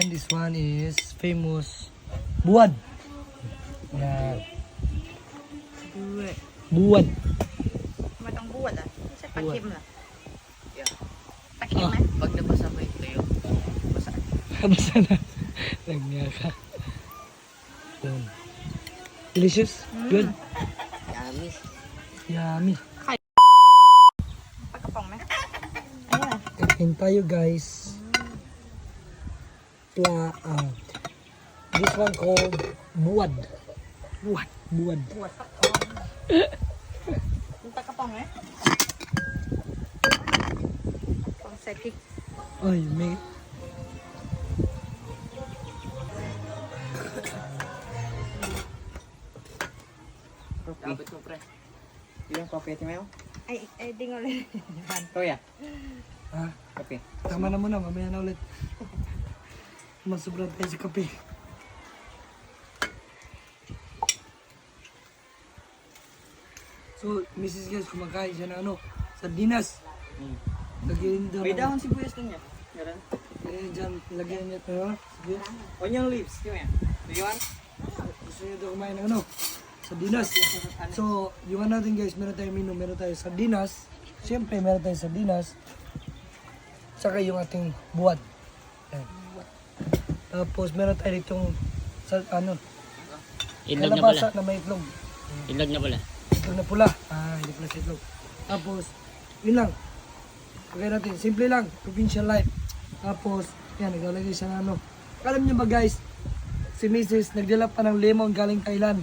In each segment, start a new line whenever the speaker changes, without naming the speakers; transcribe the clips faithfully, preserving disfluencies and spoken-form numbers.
And this one is famous buwad. Yan.
Buwad.
Buwad.
ไม่ต้องบวชอ่ะไม่ใช่ปลาเค็มเหรอ
Yeah.
ปลาเค็มไหม
Pag nabasa mo yung tuyo, basa.
Basta na. Nagyaka. Yan. Delicious. Good.
Yummy.
Yummy.
ปลากระป๋องไหมอันนี้อะไร
Kain tayo guys. Pla, ah, this one called buwad. Buwad. Buwad.
บวชฟักทองมีปลากระป๋องไหมกระป๋องใส่พริก
Ay, may...
Kapit mo, pre. Yung kape, timayo?
ไอ้ไอ้ดิ้งเอาเลย
Kuya,
Ah,
kape.
tama na muna. Mamaya na ulit. Masubra tayo sa kape. So, Missus Guys, kumakain siya ng ano, sardinas.
Mm.
Lagyan daw.
May dahon sibuyas din niya. Meron.
Lagyan dyan, lagyan niya ito. ha? Sige.
Onion leaves, timayo. Do you want?
Gusto niya daw kumain ng ano, sardinas. So, yung ano natin guys, meron tayong menu, meron tayong sardinas. Siyempre, meron tayong sardinas. Saka yung ating buwad. Ayan. Tapos, meron tayo ditong, sa, ano,
Itlog na pala.
kalabasa na may itlog.
Itlog na pala.
Itlog na pula. Ah, hindi pala sa itlog. Tapos, yun lang. Pagkain natin, simple lang. Provincial life. Tapos, yan, naglalagay siya ng ano. Alam niyo ba guys, si Missus nagdala pa ng lemon galing Thailand.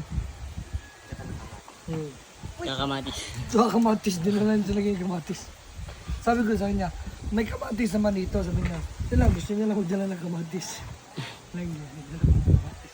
Hmm.
Kakamatis.
So, kamatis, din na lang siya lagay yung kamatis. Sabi ko sa kanya, may kamatis naman dito. Sabi niya, ito lang, gusto niya lang magdala ng kamatis. Lang niya, nagdala ng kamatis.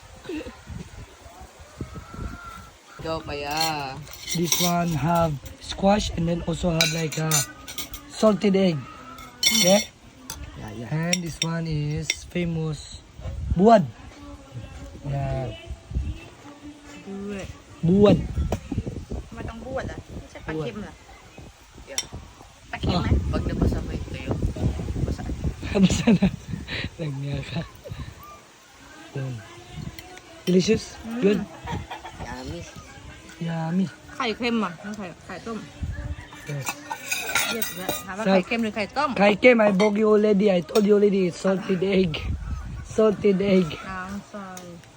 Ikaw kaya.
This one have squash and then also have like a salted egg. Okay?
Yeah, yeah.
And this one is famous buwad. Yan.
buwad
บุวด
ไม่ต้องบวชอ่ะไม่ใช่ปลาเค็มเหรอ
Yeah.
ปลาเค็มไหม
Pag nabasa mo yung tuyo, basa.
Basta na. Nagyaka. Yan. Delicious. Good.
Yummy.
Yummy.
ไข่เค็มอ่ะน้องไข่ไข่ต้ม
Yes.
เรียกแล้วถามว่า
ใช่
ไข่เค็มหรือไข่ต้ม
Kai Kim, I bought you already. I told you already. It's salted egg. Salted egg.
น้ำซอย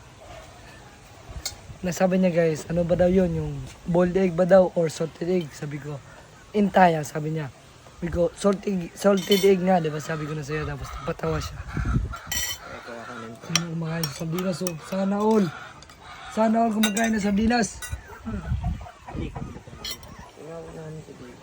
Nasabi niya guys, ano ba daw yun? Yung boiled egg ba daw or salted egg? Sabi ko, intaya, sabi niya. Sabi ko, salted, salted egg nga, di ba? Sabi ko na sa'yo, tapos napatawa siya.
Ito ako nun.
Ano kumakain sa sardinas, so sana all. Sana all kumakain ng sardinas.
Ikaw na nito dito.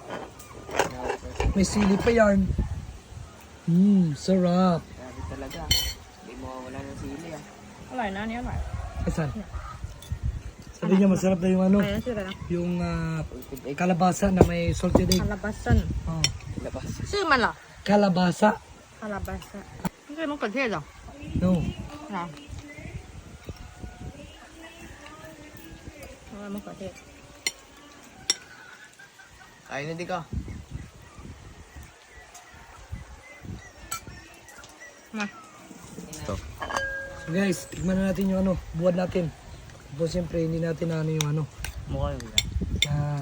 May sili pa yan. Mmm, sarap.
Grabe talaga. Hindi mo wala ng sili ah.
อร่อยนะอันนี้อร่อย
Asan? Sabi niya masarap na yung ano,
อะไรนะชื่ออะไรนะ
yung ah,
Salted egg.
kalabasa na may salted egg.
คาราบาซัน
Oh.
Labas.
ชื่อมันเหรอ
Kalabasa?
คาราบาซันไม่ใช่มะเขือเทศเหรอ
No.
เหรอเอาไว้มะเขือเทศ
Kain na di ka.
มา
So guys, tikman na natin yung ano, buwad natin. Tapos siyempre hindi natin na ano yung ano.
Mukha yung gula.
Yan.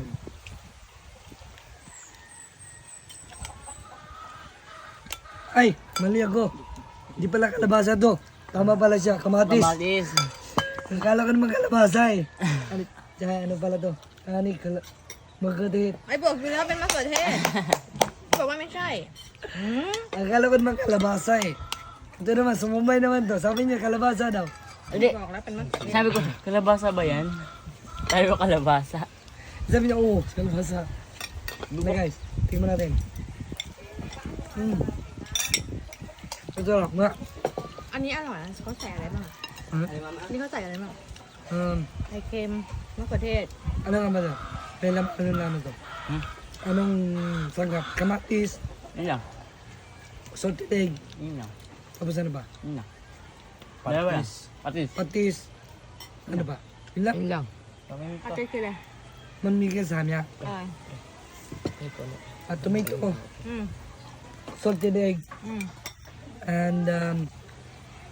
Ay, mali ako. Hindi pala kalabasa to. Tama pala siya, kamatis.
Kamatis.
Akala ko naman kalabasa eh. Ano, tsaka ano pala to? Ani, kala... Magkadit.
ไอ้บอกอยู่แล้วเป็นมะเขือเทศบอกว่าไม่ใช่อืม
Akala ko naman kalabasa eh. Ito naman, sumumay naman to. Sabi niya kalabasa daw.
Hindi.
บอกแล้วเป็นมะเขือเทศ
Sabi ko, kalabasa ba yan? Tayo kalabasa.
Sabi niya, oo, kalabasa. Na guys, tingnan natin. Hmm. Ito lang, nga.
อันนี้อร่อยนะเขาใส่อะไรบ้างอะ
Huh?
นี่เขาใส่อะไรบ้าง
Um,
ไข่เค็มมะเขือเทศ
ano nga ba ito? May lam, ano naman to?
Hmm?
Anong sangkap? Kamatis,
Yun lang.
salted egg,
Yun lang.
tapos ano ba?
Yun lang. Dalawa lang. Patis.
Patis, ano ba? Yun lang.
Yun lang.
ผัดเทศคืออะไร
Man migay sa kanya.
อ่า
At tomato,
อืม
salted egg,
อืม
and um,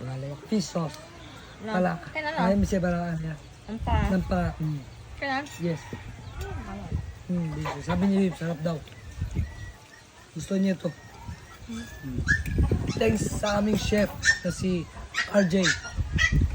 Fish sauce.
No.
Pala.
Kaya na
Ay,
lang.
may pala niya.
Ang pa.
Ng pa. Mm.
Kaya na.
Yes. Hmm, dito. Sabi niya, Viv, sarap daw. Gusto niya to. Thanks sa aming chef na si R J.